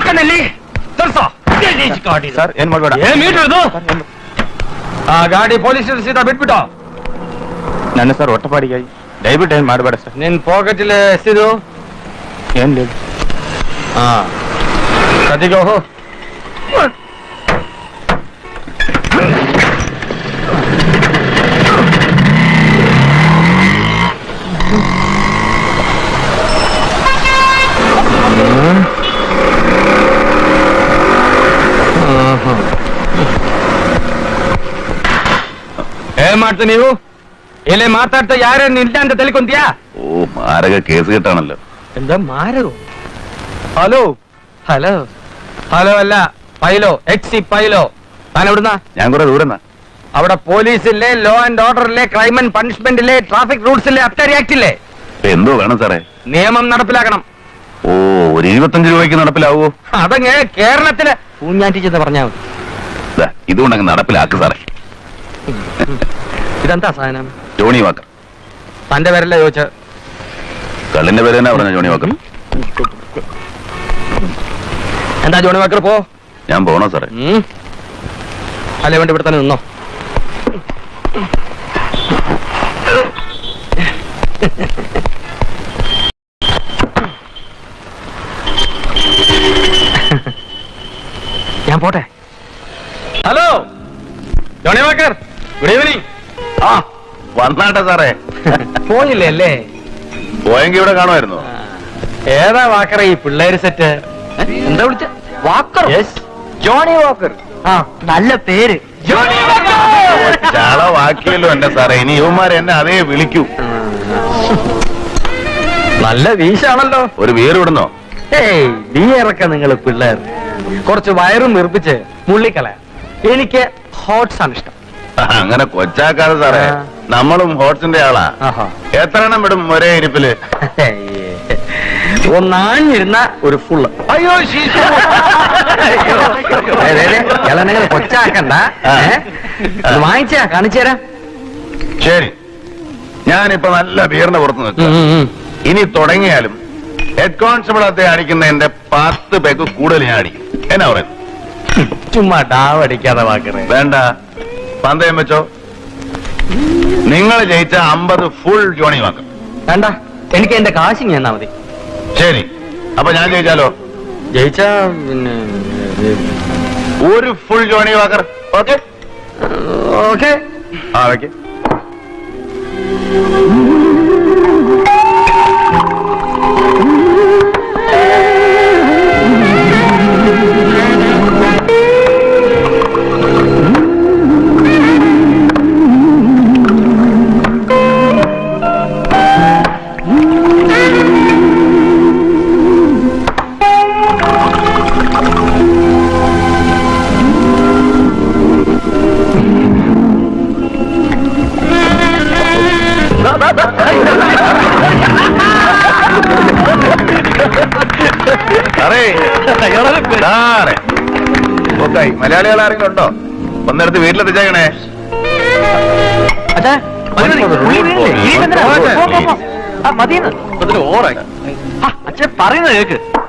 Sir ಏನ್ ಮಾಡ್ಬೇಡ. ಆ ಗಾಡಿ ಪೊಲೀಸ್ ಸೀದಾ ಬಿಟ್ಬಿಟ್ಟು. ನನ್ನ ಸರ್ ಹೊಟ್ಟಪಾಡಿಗೆ ದಯವಿಟ್ಟು ಏನ್ ಮಾಡ್ಬೇಡ ಸರ್. ನಿನ್ ಪಾಕೆಟಲ್ಲಿ ಎಷ್ಟಿದು? ಏನ್ లేదు. ಹಾ ಕದಿಗೋ ಏನ್ ಮಾಡ್ತೀವಿ ನೀವು ಇಲ್ಲಿ ಮಾತಾಡ್ತಾ ಯಾರೇನು ಇಲ್ಲ ಅಂತ ತಿಳ್ಕೊಂತೀಯಾ? ഓ മാരക കേസ് കിട്ടാണല്ലോ. എന്താ മാരോ? ഹലോ ഹലോ ഹലോ അല്ല പൈലോ, എക്സി പൈലോ. താൻ എവിടുന്ന? ഞാൻ കുറെ ദൂരം. അവിടെ പോലീസില്ലേ, ലോ ആൻഡ് ഓർഡറിലെ, ക്രൈം ആൻഡ് പണിഷ്മെന്റിലെ, ട്രാഫിക് റൂൾസിലെ, അബ്കാരി ആക്ടില്ലേ? എന്തോ വേണം സാറേ? നിയമം നടപ്പിലാക്കണം. ഓ ഒരു 25 രൂപയ്ക്ക് നടപ്പിലാവോ? അതങ്ങ് കേരളത്തില് പൂഞ്ഞാറ്റി ചെന്ന് പറഞ്ഞാൽ മതി. ഇതുകൊണ്ടങ്ങ് നടപ്പിലാക്ക് സാറേ. ഇതെന്താ സാധനം? Johnnie Walker. തന്റെ പേരല്ലേ ചോദിച്ച? കള്ളിന്റെ പേര് തന്നെ പറഞ്ഞ ജോണി വാക്കർ. എന്താ ജോണി വാക്കർ? പോ. ഞാൻ പോണോ സാറേ? അല്ലേ വേണ്ടി ഇവിടെ തന്നെ നിന്നോ. ഞാൻ പോട്ടെ. Hello Johnnie Walker, good evening. ആ വന്നാട്ടെ സാറേ. പോയില്ലേ അല്ലേ? പോയെങ്കിൽ ഇവിടെ കാണുമായിരുന്നു. ഏതാ വാക്കർ ഈ പിള്ളേര് സെറ്റ്? എന്താ വിളിച്ച? വാക്കർ? Johnnie Walker. ആ നല്ല പേര് ജോണി വാക്കർ. ചളവാക്കിയല്ലോ എന്റെ സാറേ. ഇനി യുവമാരെ എന്നെ അതേ വിളിക്കൂ. നല്ല വീശാണല്ലോ. ഒരു വീർ വിടുന്നോ? ഏയ് ബിയറൊക്കെ നിങ്ങൾ പിള്ളേർ കുറച്ച് വയറും നിർപ്പിച്ച് മുള്ളിക്കളയാ. എനിക്ക് ഹോട്ട്സ് ആണ് ഇഷ്ടം. അങ്ങനെ കൊച്ചാക്കാതെ സാറേ, നമ്മളും ഹോട്ട്സിന്റെ ആളാ. എത്ര എണ്ണം വിടും ഒരേ ഇരിപ്പില്? ഒന്നാഞ്ഞിരുന്ന ഒരു ഫുള്ള്. അയ്യോ നിങ്ങൾ കൊച്ചാക്കണ്ട. വാങ്ങിച്ചാ കാണിച്ചു തരാം. ശരി, ഞാനിപ്പോ നല്ല ബീറിന്റെ പുറത്ത് നിൽക്കാം. ഇനി തുടങ്ങിയാലും ഹെഡ് കോൺസ്റ്റബിൾ അത്തെ അടിക്കുന്നതിന്റെ 10 പേക്ക് കൂടുതൽ ഞാൻ അടിക്കും. എന്നാ പറയുന്നത്? ചുമ്മാ ഡാവടിക്കാതെ വാക്കറേ. വേണ്ട, പന്തയം വെച്ചോ. നിങ്ങൾ ജയിച്ച 50 ഫുൾ ജോണി വാക്കർ. വേണ്ട, എനിക്ക് എന്റെ കാശിങ് എന്നാ മതി. ശരി, അപ്പൊ ഞാൻ ജയിച്ചാലോ? ജയിച്ച പിന്നെ ഒരു full Johnnie Walker. Okay okay. ആ ഓക്കെ. മലയാളികൾ ആരെങ്കിലും ഉണ്ടോ? ഒന്നെടുത്ത് വീട്ടിലെത്തിച്ചേക്കണേ. അച്ഛൻ പറയുന്നത് കേക്ക്.